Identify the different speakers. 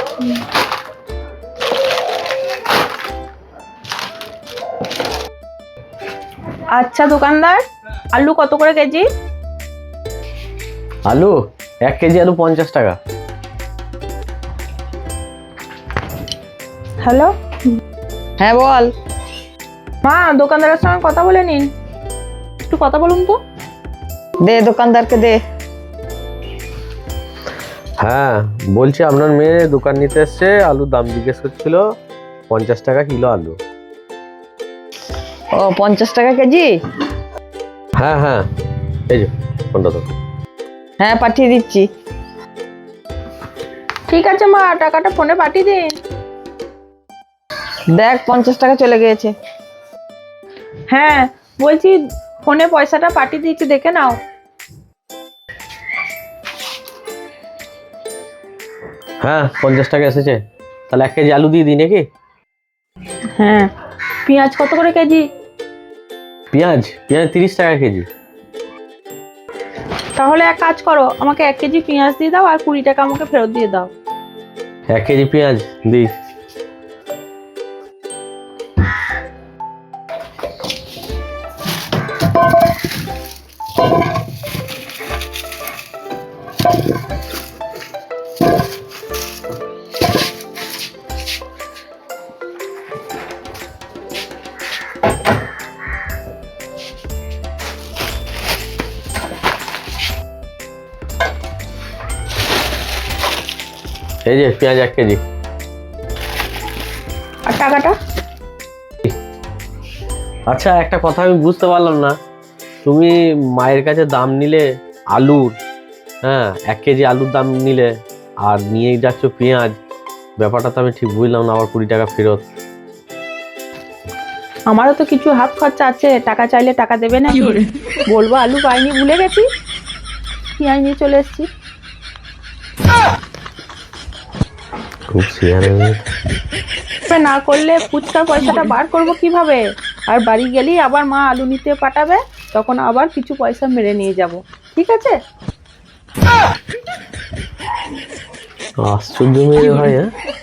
Speaker 1: আচ্ছা দোকানদার, আলু কত করে কেজি?
Speaker 2: আলু 1 কেজি আলু 50 টাকা।
Speaker 1: হ্যালো,
Speaker 3: হ্যাঁ বল।
Speaker 1: মা দোকানদারের সঙ্গে কথা বলে নিন, একটু কথা বলুন তো।
Speaker 3: দে দোকানদারকে দে।
Speaker 2: হ্যাঁ বলছি, আপনার মেয়ে দোকান নিতে এসছে, আলুর দাম জিজ্ঞেস করছিল। 50 টাকা কিলো আলু।
Speaker 3: ও 50 টাকা কেজি?
Speaker 2: হ্যাঁ হ্যাঁ, এই যে ফোনটা তো।
Speaker 3: হ্যাঁ পাঠিয়ে দিচ্ছি।
Speaker 1: ঠিক আছে মা, টাকাটা ফোনে পাঠিয়ে দিন।
Speaker 3: দেখ 50 টাকা চলে গিয়েছে।
Speaker 1: হ্যাঁ বলছি, ফোনে পয়সাটা পাঠিয়ে দিচ্ছি, দেখে নাও।
Speaker 2: হ্যাঁ 50 টাকা এসেছে। তাহলে 1 কেজি আলু দিয়ে দিই নাকি?
Speaker 1: হ্যাঁ, পেঁয়াজ কত করে কেজি?
Speaker 2: পেঁয়াজ 30 টাকা কেজি।
Speaker 1: তাহলে এক কাজ করো, আমাকে 1 কেজি পেঁয়াজ দিয়ে দাও আর 20 টাকা আমাকে ফেরত দিয়ে দাও।
Speaker 2: 1 কেজি পেঁয়াজ দিই। এই যে পেঁয়াজ 1 কেজি।
Speaker 1: আর টাকাটা?
Speaker 2: আচ্ছা, একটা কথা আমি বুঝতে পারলাম না, তুমি মায়ের কাছে দাম নিলে আলুর, হ্যাঁ 1 কেজি আলুর দাম নিলে, আর নিয়ে যাচ্ছ পেঁয়াজ, ব্যাপারটা তো আমি ঠিক বুঝলাম না। আবার 20 টাকা ফেরত।
Speaker 1: আমারও তো কিছু হাত খরচা আছে, টাকা চাইলে টাকা দেবে না? বলবো আলু পাইনি, ভুলে গেছি, পেঁয়াজ নিয়ে চলে এসেছি।
Speaker 2: খুব শেয়ারে
Speaker 1: না করলে ফুচকার পয়সাটা বার করবো কিভাবে? আর বাড়ি গেলেই আবার মা আলু নিতে পাঠাবে, তখন আবার কিছু পয়সা মেরে নিয়ে যাব। ঠিক আছে?
Speaker 2: আশ্চর্য মেয়ে ভাই। হ্যাঁ